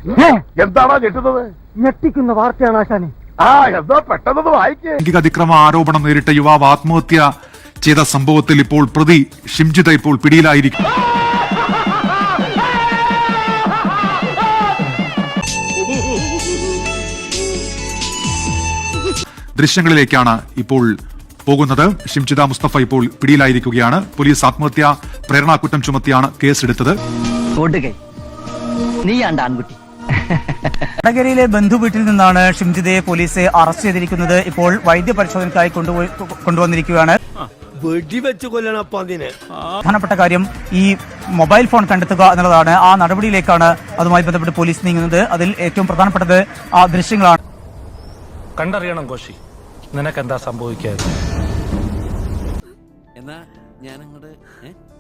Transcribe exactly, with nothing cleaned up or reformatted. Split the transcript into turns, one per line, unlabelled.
എന്താണോ ഞെട്ടുന്നത്?
ഞെട്ടിക്കുന്ന വാർത്തയാണ് ആശാനെ.
ആ എന്താ പെട്ടെന്ന് വായിക്കേ.
ലൈംഗിക അതിക്രമ ആരോപണം നേരിട്ട യുവാവ് ആത്മഹത്യ ചെയ്ത സംഭവത്തിൽ ഇപ്പോൾ പ്രതി ഷിംജിത ഇപ്പോൾ പിടിയിലായിരിക്കും. ദൃശ്യങ്ങളിലേക്കാണ് ഇപ്പോൾ പോകുന്നത്. ഷിംജിത മുസ്തഫ ഇപ്പോൾ പിടിയിലായിരിക്കുകയാണ്. പോലീസ് ആത്മഹത്യാ പ്രേരണാകുറ്റം ചുമത്തിയാണ് കേസെടുത്തത്.
വടകരയിലെ ബന്ധു വീട്ടിൽ നിന്നാണ് ഷിംജിതയെ പോലീസ് അറസ്റ്റ് ചെയ്തിരിക്കുന്നത്. ഇപ്പോൾ വൈദ്യപരിശോധനയ്ക്കായി കൊണ്ടുപോയി കൊണ്ടുവന്നിരിക്കുകയാണ്. പ്രധാനപ്പെട്ട കാര്യം ഈ മൊബൈൽ ഫോൺ കണ്ടെത്തുക എന്നുള്ളതാണ്. ആ നടപടിയിലേക്കാണ് അതുമായി ബന്ധപ്പെട്ട് പോലീസ് നീങ്ങുന്നത്. അതിൽ ഏറ്റവും പ്രധാനപ്പെട്ടത് ആ ദൃശ്യങ്ങളാണ്.
കണ്ടറിയണം കോശി, നിനക്കെന്താ സംഭവിക്കാതെ.
എന്നാ ഞാനങ്ങോട്ട്